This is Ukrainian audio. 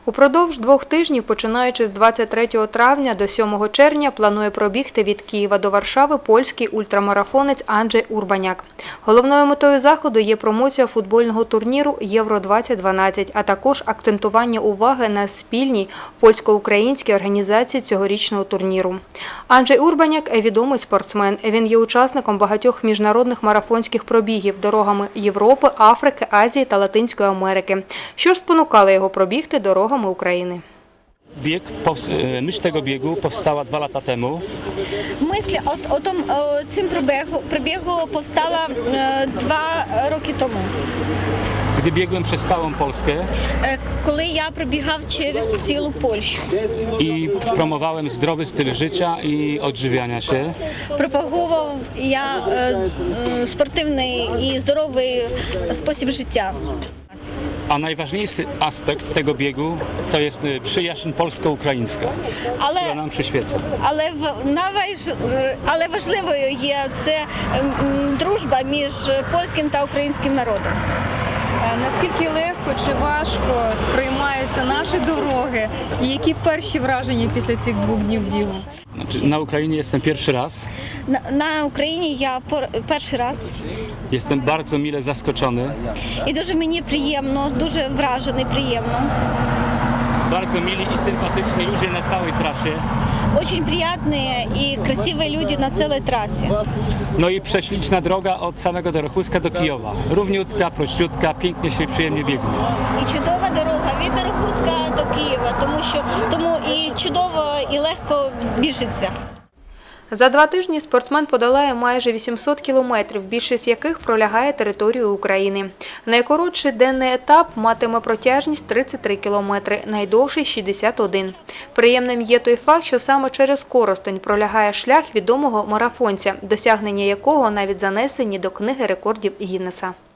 Упродовж 2 тижнів, починаючи з 23 травня до 7 червня, планує пробігти від Києва до Варшави польський ультрамарафонець Анджей Урбаняк. Головною метою заходу є промоція футбольного турніру Євро-2012, а також акцентування уваги на спільній польсько-українській організації цьогорічного турніру. Анджей Урбаняк – відомий спортсмен. Він є учасником багатьох міжнародних марафонських пробігів дорогами Європи, Африки, Азії та Латинської Америки. Що ж спонукало його пробігти дорогами України? Myśl tego biegu powstała 2 lata temu. Myśl o tym przebiegu powstała 2 roki temu. Gdy biegłem przez całą Polskę Коли я пробігав через цілу Польщу. I promowałem zdrowy styl życia i odżywiania się. Пропагував я спортивний і здоровий спосіб життя. A najważniejszy aspekt tego biegu to jest przyjaźń polsko-ukraińska, która nam przyświeca. Але важливою є це дружба між польським та українським народом. Наскільки легко чи важко сприймаються наші дороги? І які перші враження після цих 2 днів бігу? Na Ukrainie jestem pierwszy raz. На Україні я перший раз. Jestem bardzo mile zaskoczony. І дуже мені приємно, дуже вражений, приємно. Bardzo mili i sympatyczni ludzie na całej trasie. Очень приятные и красивые люди на целой трассе. No i prześliczna droga od samego Dorochuska do Kijowa. Równiutka, prościutka, pięknie się przyjemnie biegnie. І чудова дорога від Дорохуська до Києва, тому і чудово, і легко біжиться. За 2 тижні спортсмен подолає майже 800 кілометрів, більшість яких пролягає територією України. Найкоротший денний етап матиме протяжність 33 кілометри, найдовший – 61. Приємним є той факт, що саме через Коростень пролягає шлях відомого марафонця, досягнення якого навіть занесені до Книги рекордів Гіннеса.